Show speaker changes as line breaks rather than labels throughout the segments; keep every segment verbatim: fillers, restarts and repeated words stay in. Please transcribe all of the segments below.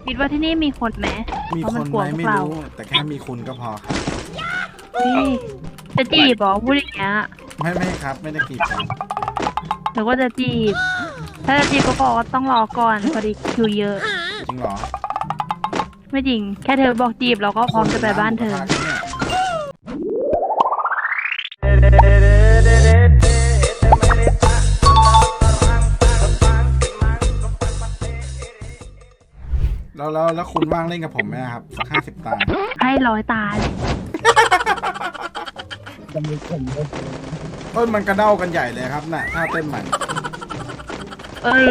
คิดว่าที่นี่มีคนไหม
มีคนไหมไม่รู้แต่แค่มีคุณก็พอครับ
นี่จะจีบบอกพูดอย่างเงี้ย
ไม่ไม่ครับไม่ได้กีดกัน
หรือว่าจะจีบ ถ้าจะจีบก็บอกว่าต้องรอก่อนพอดีคิวเยอะ
จริงเหรอ
ไม่จริง แค่เธอบอกจีบเราก็พร้อมจะไปบ้านเธอ
แล้วแล้วแล้วคุณว่างเล่นกับผมไหมครับสักห้าสิบตา
ให้ร้อยตาเลย
เอ้ยมันกระเด้ากันใหญ่เลยครับน่ะถ้าเต้นใหม่
เอ้ย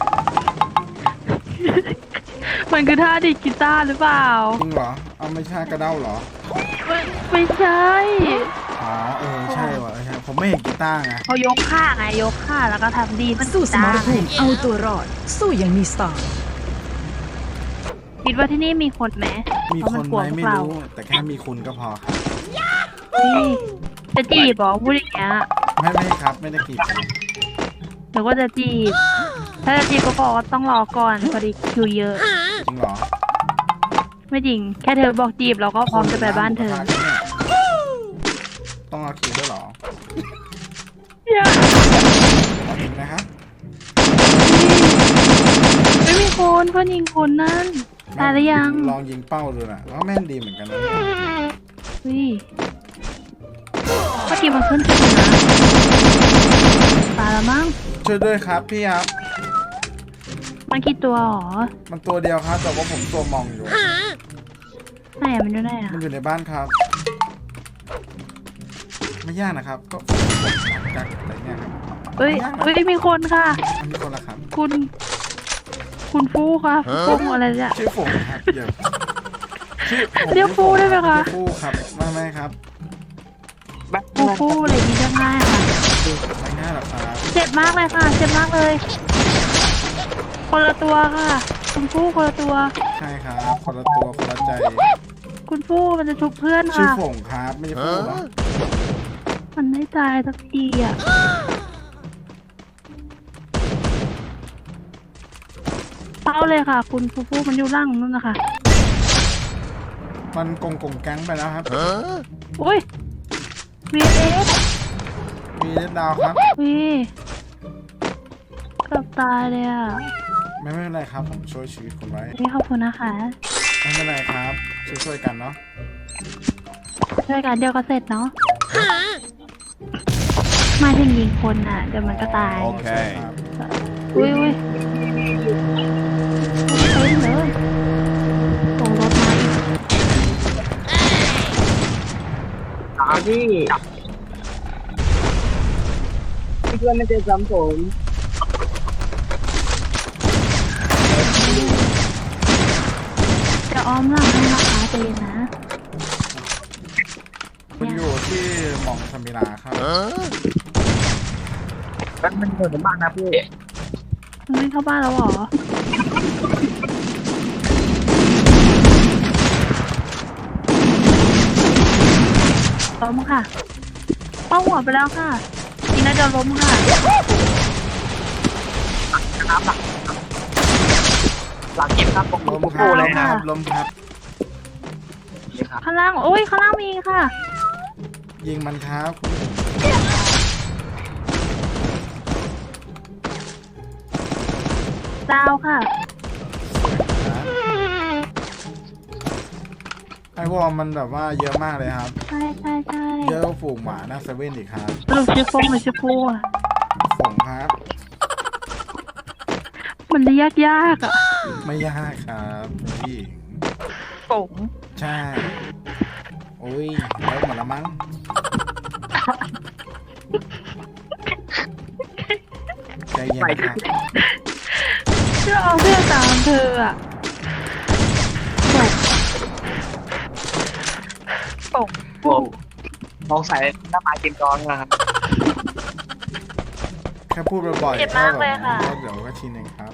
มันคือท่าดีดกีตาร์หรือเปล่า
จริงเหรอเอาไม่ใช่กระเด้าเหรอ
ไม่ไม่ใช่
อ๋อเออใช่ว่ะใช่ผมไม่เห็นกีตาร์ไง
เขายกข้างไงยกข้างแล้วก็ทำดีด
สู้ส
กี
ม
ตาร ร์
ภูมิเอาตัวรอด สู้อย่างมีสไตล์
คิดว่าที่นี่มีคนไหม
มีคนไหมไม่รู้แต่แค่มีคุณก็พอครับ
นี่จะจีบบอกพูดอย่างเงี้ย
ไม่ไม่ครับไม่ได้กีดกัน
หรือว่าจะจีบ ถ้าจะจีบก็บอกว่าต้องรอก่อนพอดีคิวเยอะ
จริงเหรอ
ไม่จริง แค่เธอบอกจีบเราก็พร้อมจะไปบ้านเธอ
ต้องเอาคิวด้วยเหรอ
อย่า
เอาเองนะครับ
ไม่มีคนเพื่อนยิงคนนั่นตายหรือยัง
ลองยิงเป้าดูนะแล้วแม่นดีเหมือนกันนะเนี่ย
เฮ้ยเมื่อกี้มันขึ้นขึ้นนะตายแล้วมั้ง
ช่วยด้วยครับพี่ครับ
มันกี่ตัวหรอ
มันตัวเดียวครับแต่ว่าผมตัวมองอยู่
ไหนอะมันอยู่ไหนอะ
มันอยู่ในบ้านครับ ไม่ยากนะครับก็กักอะไรเนี่ยครับ
เฮ้ยเฮ้ยมีคนค่ะ
อันนี้คนละครับ
คุณ คุณฟูค่ะฟูอะไรเนี่ย
ชื่อฝงครับเดี๋ยวชื่อผม
เรียกฟูได้ไหมคะ
เรียกฟูครับไม่ไม่ครับ
ฟูฟูอะไรดีจะง่ายค่ะ
ไม่ง่ายหรอกครับ
เจ็บมากเลยค่ะ เจ็บมากเลย คนละตัวค่ะ คุณฟูคนละตัว
ใช่ครับคนละตัวคนละใจ
คุณฟูมันจะชุบเพื่อน
ชื่อ
ค่ะ
ฝงครับไม่ใช่ฟูหรอ
มันไม่ตายสักทีอ่ะ เป้าเลยค่ะ คุณฟูฟูมันอยู่ล่างนั่นนะคะ
มันกงกงแก๊งไปแล้วครับ
อุ้ยวีเอส
มีเล็ดดาวครับ
วีเกือบตายเลยอ่ะ
ไม่ไม่เป็นไรครับผมช่วยชีวิตคุณไว้
นี่ขอบคุณนะคะ
ไม่เป็นไรครับช่วยช่วยๆกันเนาะ
ช่วยกันเดียวก็เสร็จเนาะ มาถึงยิงคนอ่ะ เดี๋ยวมันก็ตาย
โอเคครับ
อุ้ยอุ้ยเต็มเลยส่งรถมาอีก
อาพี่พี่เพื่อนไม่เจอซ้ำผม
จะอ้อมหลังให้นะคะใจเย็นนะ
มันอยู่ที่หม่องสมิลาครับ
มันมันเหมือนบ้านนะพี่
มันไม่เข้าบ้านแล้วเหรอ ล้มค่ะเป้าหัวไปแล้วค่ะทีน่าจะล้มค่ะ
น้ำหลังหลังเก็บครับผม
ลม
ผม
ครั
พู
บ
ดเลย
ค
นะ
รับลมครับ
ข้างล่าง โอ้ย ข้างล่างมีค่ะ
ยิงมันครับ
ดาวค่ะ
ไอวอลมันแบบว่าเยอะมากเลยครับ
ใช่ใช่ใช่
เยอะกว่าฝูงหมาหน้าเซเว่นอีกครับ
สรุปชื่อฟงหรือชื่อฟูอ่ะ
ฝงครับ
มันเรียกยากอ่ะ
ไม่ยากครับพี่
ฟง
ใช่โอ้ยแล้วหมดละมั้งใจเย็นนะครับ
ชื่อเอาเพื่อนตามเธออ่ะฟงฟง
มองใส่หน้าไม้เต็มจอนะครับ
แค่พูดบ่อยๆ
เจ็บมากเลยค่ะ
ก็เดี๋ยวก็ชินเองครับ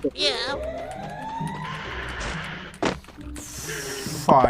ฝอย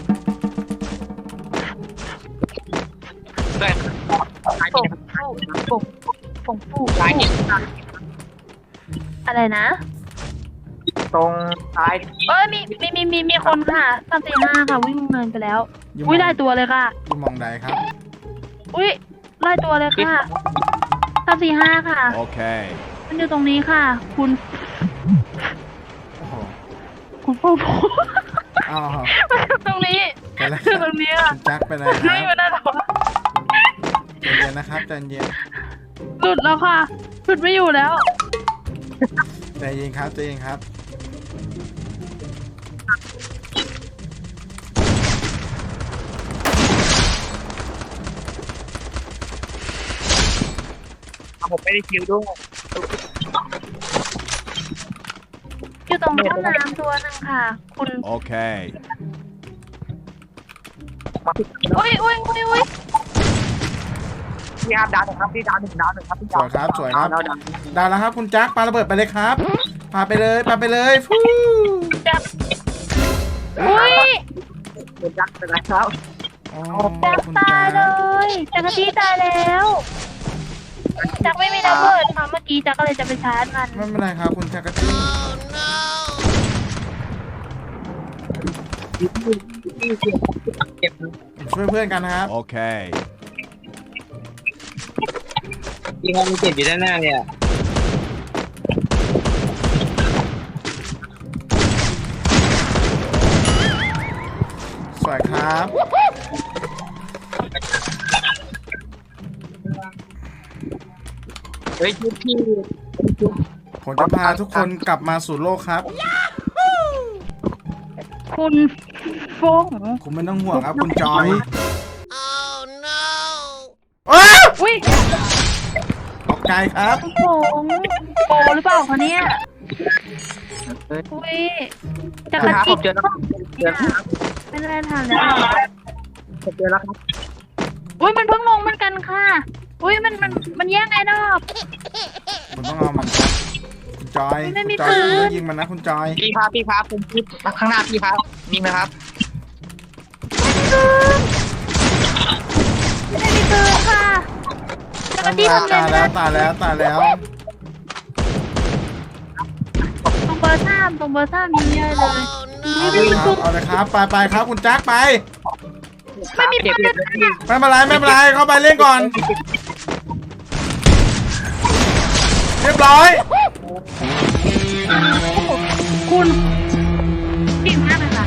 ฟงฟูฟงฟงฟู
ใช่เนี่ย
อะไรนะ
ตตรงซ้าย
เอ้ยมีมีมีมีมีคนค่ะสามสี่ห้าค่ะวิ่งเนินไปแล้ว อุ้ยได้ตัวเลยค่ะ
อยู่มองใดครับ
อุ้ยไล่ตัวเลยค่ะสามสี่ห้าค่ะ
Okay.
มันอยู่ตรงนี้ค่ะ คุณ
โอ้โห
คุณปูปู
อ้าว
มันอยู่ตรงนี้
ไปแล้ว
อยู่ตรงนี้ค่ะ
คุณแจ็คไปเลยค
ไม่
รับ
อยู่หน้าท้อง
ใจเย็นนะครับใจเย็น
หลุดแล้วค่ะหลุดไม่อยู่แล้ว
ใจเย็นครับใจเย็นครับ
ผมไม่ได้คิวด้วย
อยู่ตรงห้องน้ำตัวหนึงค่ะ คุณ
Okay.
มาพี่
อุ้ยอุ้ยอุ้ยอุ้ย
พี่ครับดาวหนึ่งครับพี่ดาวหนึ่งดาวหนึ่งครับพี่
สวยครับสวยครับ
ดาวดาว
ได้แล้วครับคุณแจ็คปาระเบิดไปเลยครับปาไปเลยปาไปเลยฟู้
จับอุ้ย
เดี๋ยวจักเป็นไรครับ
อ๋อ
จับ
คุณ
ตายเล
แจ็ค
ยจักรจี้ตายแล้วจักไม่มีระเบิดค่ะเมื่อกี้จักก็เลยจะไปชาร์จมัน
ไม่เป็นไรครับคุณแจ็คกะจี้
เก็บ
ช่วยเพื่อนกันนะครับ
Okay.
ยิงมันมีเจ็บอยู่ด้านหน้าเนี่ย
สวยครับ
เฮ้ยชุดพี่
ผมจะพาทุกคนกลับมาสู่โลกครับ
คุณฟง
คุณไม่ต้องห่วงครับคุณจอย
Oh no.
ว้าว
อุ้ย
ตกใจครับ
คุณฟงโปหรือเปล่าคะเนี่ยอุ้ยจักร
ครับผ
จี้
มเจอแล้วเจอแล้วครับ
ไม่ได้ทานแล้ว
ผมเจอแล้วครับ
อุ้ยมันเพิ่งลงเหมือนกันค่ะ อุ้ยมันมันมันแย่งไอ้ดอก
คุณต้องเอามันครับคุณจอย
ไม่
คุณ
มี
จอย
ปืน
คุณต้องยิงมันนะคุณจอย
พี่ครับพี่ครับผมคิดข้างหน้าพี่ครับนิ่งนะครับ
ไม่ได้มีปืนค่ะจักรจี้ทำ
ตาย
เล
แล้
ยว
ตายแล้วตายแล้ว
ตรงเบอร์สามตรงเบอร์สามยิงเยอะเลย
เอาเลยครับเอาเลยครับไปไปครับคุณแจ็คไป
ไม่มีเจ็บเจ็บเลยพี่
ไม่เป็นไรไม่เป็นไรเข้าไปเล่นก่อน เรียบร้อย
คุณเก่งมากเลยค่ะ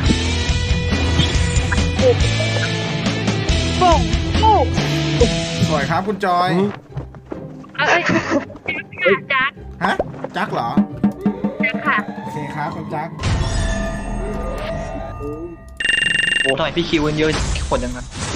โป่งลูก
สวยครับคุณจอย
เอ้ยจัก
ฮะจักเหรอ
จักค่ะ
โอเคครับคุณจัก
โอ้ทำไมพี่คิวกันเยอะคนจังครับ